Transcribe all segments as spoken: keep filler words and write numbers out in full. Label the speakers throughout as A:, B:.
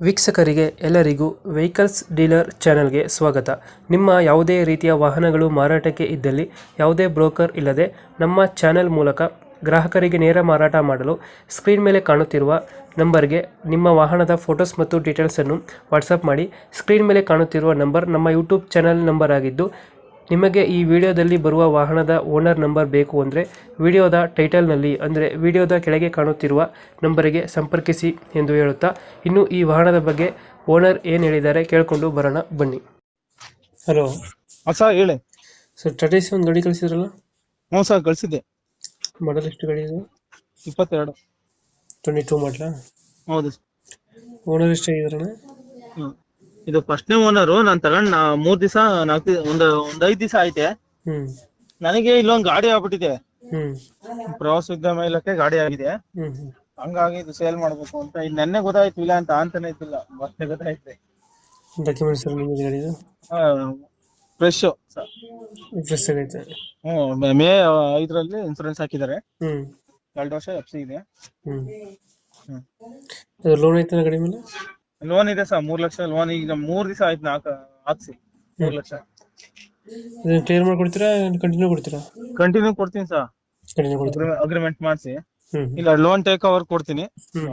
A: ವೀಕ್ಷಕರಿಗೆ ಎಲ್ಲರಿಗೂ vehicles dealer ಚಾನೆಲ್ಗೆ ಸ್ವಾಗತ. ನಿಮ್ಮ ಯಾವುದೇ ರೀತಿಯ ವಾಹನಗಳು ಮಾರಾಟಕ್ಕೆ ಇದ್ದಲ್ಲಿ ಯಾವುದೇ ಬ್ರೋಕರ್ ಇಲ್ಲದೆ ನಮ್ಮ ಚಾನೆಲ್ ಮೂಲಕ ಗ್ರಾಹಕರಿಗೆ ನೇರ ಮಾರಾಟ ಮಾಡಲು ಸ್ಕ್ರೀನ್ ಮೇಲೆ ಕಾಣುತ್ತಿರುವ ನಂಬರ್ಗೆ ನಿಮ್ಮ ವಾಹನದ ಫೋಟೋಸ್ ಮತ್ತು ಡೀಟೇಲ್ಸನ್ನು ವಾಟ್ಸಪ್ ಮಾಡಿ. ಸ್ಕ್ರೀನ್ ಮೇಲೆ ಕಾಣುತ್ತಿರುವ ನಂಬರ್ ನಮ್ಮ ಯೂಟ್ಯೂಬ್ ಚಾನೆಲ್ ನಂಬರ್ ಆಗಿದ್ದು, ನಿಮಗೆ ಈ ವಿಡಿಯೋದಲ್ಲಿ ಬರುವ ವಾಹನದ ಓನರ್ ನಂಬರ್ ಬೇಕು ಅಂದರೆ ವಿಡಿಯೋದ ಟೈಟಲ್ನಲ್ಲಿ ಅಂದರೆ ವಿಡಿಯೋದ ಕೆಳಗೆ ಕಾಣುತ್ತಿರುವ ನಂಬರಿಗೆ ಸಂಪರ್ಕಿಸಿ ಎಂದು ಹೇಳುತ್ತಾ, ಇನ್ನು ಈ ವಾಹನದ ಬಗ್ಗೆ ಓನರ್ ಏನು ಹೇಳಿದ್ದಾರೆ ಕೇಳಿಕೊಂಡು ಬರೋಣ ಬನ್ನಿ. ಹಲೋ
B: ಸರ್ ಹೇಳಿ.
A: ಸರ್, ಟಾಟಾ ಏಸಿ ಒಂದು ಗಾಡಿ ಕಳಿಸಿದ್ರಲ್ಲ,
B: ಹ್ಞೂ ಸರ್ ಕಳಿಸಿದ್ದೆ.
A: ಮಾಡಲ್ ಎಷ್ಟು ಗಾಡಿ ಇದು?
B: ಇಪ್ಪತ್ತೆರಡು.
A: ಟ್ವೆಂಟಿ ಟೂ ಮಾಡಲಾ?
B: ಹೌದು.
A: ಓನರ್ ಎಷ್ಟಾಗಿದಾರಣ?
B: ಹ್ಮ್ ಇದು ಫಸ್ಟ್ನೇ ಓನರು. ನಾನು ತಗೊಂಡ್ ನಾ ಮೂರ್ ದಿವಸ ನಾಲ್ಕು ಒಂದು ಒಂದ್ ಐದ್ ದಿವಸ ಐತೆ.
A: ಹ್ಮ್
B: ನನಗೆ ಇಲ್ಲೊಂದ್ ಗಾಡಿ ಆಗ್ಬಿಟ್ಟಿದೆ.
A: ಹ್ಮ್
B: ಪ್ರವಾಸೋದ್ಯಮ ಇಲಾಖೆ ಗಾಡಿ ಆಗಿದೆ.
A: ಹ್ಮ್ ಹ್ಮ್
B: ಹಂಗಾಗಿ ಇದು ಸೇಲ್ ಮಾಡ್ಬೇಕು ಅಂತ ಇದು ನೆನ್ನೆ ಗೊತ್ತಾಯ್ತು, ಇಲ್ಲ ಅಂತ ಅಂತಾನೆ ಇದ್ದಿಲ್ಲ, ಮತ್ತೆ ಗೊತ್ತಾಯ್ತು.
A: ಡಾಕ್ಯುಮೆಂಟ್ಸ್ ಎಲ್ಲ ನಿಮಗೆ ಗಾಡಿದು
B: ಫ್ರೆಶ್.
A: ಫ್ರೆಶ್ ಆಗೈತೆ?
B: ಹ್ಮ್ ಮೇ ಐದರಲ್ಲಿ ಇನ್ಸೂರೆನ್ಸ್ ಹಾಕಿದ್ದಾರೆ.
A: ಹ್ಮ್
B: ಎರಡು ವರ್ಷ ಎಫ್ ಸಿ ಇದೆ.
A: ಹ್ಮ್
B: ಹ್ಮ್
A: ಅದು ಲೋನ್ ಐತೆ ಗಾಡಿ ಮೇಲೆ?
B: ಲೋನ್ ಇದೆ ಸರ್, ಮೂರ್ ಲಕ್ಷ ಲೋನ್. ಈಗ ಮೂರ್ ದಿವಸ ಆಯ್ತು ನಾಲ್ಕ ಹಾಕ್ಸಿ. ಮೂರ್ ಲಕ್ಷ
A: ಕ್ಲಿಯರ್ ಮಾಡ್ಕೊಡ್ತೀರಾ, ಕಂಟಿನ್ಯೂ ಕೊಡ್ತೀರಾ?
B: ಕಂಟಿನ್ಯೂ ಕೊಡ್ತೀನಿ ಸರ್,
A: ಕಂಟಿನ್ಯೂ ಕೊಡ್ತೀರಾ?
B: ಅಗ್ರಿಮೆಂಟ್ ಮಾಡಿಸಿ.
A: ಹ್ಮ್
B: ಇಲ್ಲ ಲೋನ್ ಟೇಕ್ ಓವರ್ ಕೊಡ್ತೀನಿ.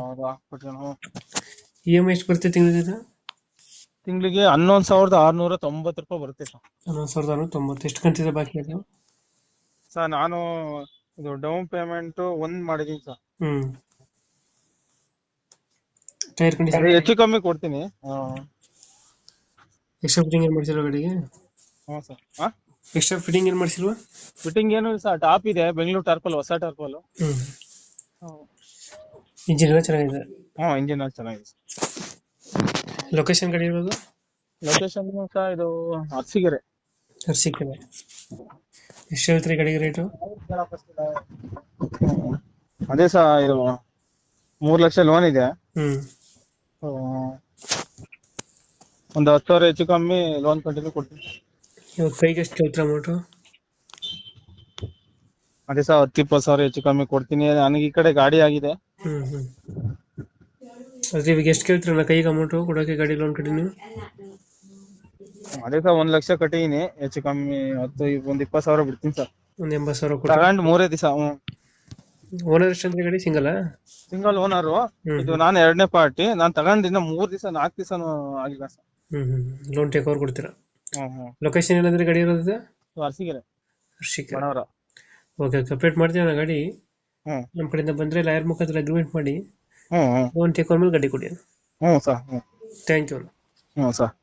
A: ಇ ಎಮ್ ಐ ಎಷ್ಟು ಬರುತ್ತೆ ತಿಂಗಳಿಗೆ?
B: ತಿಂಗಳಿಗೆ ಹನ್ನೊಂದ್ ಸಾವಿರದ ಆರ್ನೂರ ತೊಂಬತ್ತು ರೂಪಾಯಿ ಬರುತ್ತೆ ಸರ್.
A: ಹನ್ನೊಂದು ಸಾವಿರದ ಆರುನೂರ ತೊಂಬತ್ತು. ಎಷ್ಟು ಕಂತಿದೆ ಬಾಕಿ ಅದು?
B: ಸರ್ ನಾನು ಇದು ಡೌನ್ ಪೇಮೆಂಟ್ ಒಂದ್ ಮಾಡಿದೀನಿ ಸರ್.
A: ಹ್ಮ್ ಟೈರ್ ಕಂಡೀಷನ್
B: ಹೆಚ್ಚು ಕಮ್ಮಿ ಕೊಡ್ತೀನಿ.
A: ಎಕ್ಸ್ಟ್ರಾ ಫಿಟ್ಟಿಂಗ್ ಏನು ಮಾಡಿಸಿಲ್ವಾ ಗಾಡಿಗೆ?
B: ಹ್ಞೂ ಸರ್. ಹಾ
A: ಎಕ್ಸ್ಟ್ರಾ ಫಿಟ್ಟಿಂಗ್ ಏನು ಮಾಡಿಸಿಲ್ವಾ?
B: ಫಿಟ್ಟಿಂಗ್ ಏನು ಇಲ್ಲ ಸರ್, ಟಾಪ್ ಇದೆ, ಬೆಂಗಳೂರು ಟಾರ್ಪಲ್, ಹೊಸ ಟಾರ್ಪಲ್.
A: ಹ್ಮ್ ಇಂಜಿನ್ ಎಲ್ಲ ಚೆನ್ನಾಗಿದೆ?
B: ಹ್ಞೂ ಇಂಜಿನ್ ಚೆನ್ನಾಗಿದೆ.
A: ಲೊಕೇಶನ್ ಗಾಡಿ ಇರೋದು?
B: ಲೊಕೇಶನ್ ಸರ್ ಇದು ಅರಸೀಕೆರೆ.
A: ಅರಸೀಕೆರೆ. ಎಷ್ಟು ಹೇಳ್ತೀರಿ ಗಾಡಿಗೆ ರೇಟು?
B: ಅದೇ ಸರ್, ಇದು ಮೂರ್ ಲಕ್ಷ ಲೋನ್ ಇದೆ.
A: ಹ್ಮ್
B: ಒಂದು ಹತ್ತು ಸಾವಿರ ಹೆಚ್ಚು ಕಮ್ಮಿ ಲೋನ್ ಕಂಟಿನ್ಯೂ ಕೊಡ್ತೀನಿ.
A: ಇವಾಗ ಕೈಗೆ ಎಷ್ಟು ಕೇಳ್ತೀರ ಅಮೌಂಟು?
B: ಅದೇ ಸರ್, ಹತ್ತು ಇಪ್ಪತ್ತು ಸಾವಿರ ಹೆಚ್ಚು ಕಮ್ಮಿ ಕೊಡ್ತೀನಿ. ನನಗೆ ಈ ಕಡೆ ಗಾಡಿ ಆಗಿದೆ.
A: ಹ್ಮ್ ಹ್ಮ್ ಅದೇ ಇವಾಗ ಎಷ್ಟು ಕೇಳ್ತೀರಲ್ಲ ಕೈಗೆ ಅಮೌಂಟು ಕೊಡೋಕೆ ಗಾಡಿ ಲೋನ್ ಕಂಟಿನ್ಯೂ?
B: ಅದೇ ಸರ್, ಒಂದ್ ಲಕ್ಷ ಕಟ್ಟಿದೀನಿ, ಹೆಚ್ಚು ಕಮ್ಮಿ ಹತ್ತು ಒಂದ್ ಇಪ್ಪತ್ತು ಸಾವಿರ ಬಿಡ್ತೀನಿ ಸರ್.
A: ಒಂದು ಎಂಬತ್ತು ಸಾವಿರ ಕೊಟ್ಟು
B: ತಗೊಂಡ್ ಮೂರೇ ದಿವಸ.
A: ಓನರ್ ಎಷ್ಟಂದ್ರೆ ಗಾಡಿ ಸಿಂಗಲ್?
B: Single owner. ಇದು ನಾನು ಎರಡನೇ ಪಾರ್ಟಿ. ನಾನ್ ತಗೊಂಡಿನ ಮೂರ್ ದಿವಸ ನಾಲ್ಕು ದಿವಸನೂ ಆಗಿಲ್ಲ ಸರ್.
A: ಹ್ಮ್ ಹ್ಮ್ ಲೋನ್ ಟೇಕ್ ಓವರ್ ಕೊಡ್ತೀರಾ?
B: ಹ್ಮ್ ಹ್ಮ್
A: ಲೊಕೇಶನ್ ಏನಂದ್ರೆ ಗಾಡಿ ಇರೋದು?
B: ಅರಸೀಕೆರೆ.
A: ಅರಸೀಕೆರೆ.
B: ಬಣವರ.
A: ಓಕೆ, ಕಂಪ್ಲೀಟ್ ಮಾಡ್ತೀವಿ ನಾ ಗಾಡಿ.
B: ಹ್ಮ್
A: ನಮ್ಮ ಕಡೆಯಿಂದ ಬಂದ್ರೆ ಲಾಯರ್ ಮುಖಾಂತರ ಅಗ್ರಿಮೆಂಟ್ ಮಾಡಿ
B: ಹ್ಮ್ ಹ್ಮ್
A: ಲೋನ್ ಟೇಕ್ ಓವರ್ ಮೇಲೆ ಗಾಡಿ ಕೊಡಿ.
B: ಹ್ಮ್ ಸರ್. ಹ್ಮ್
A: ಥ್ಯಾಂಕ್ ಯು.
B: ಹ್ಮ್ ಸರ್.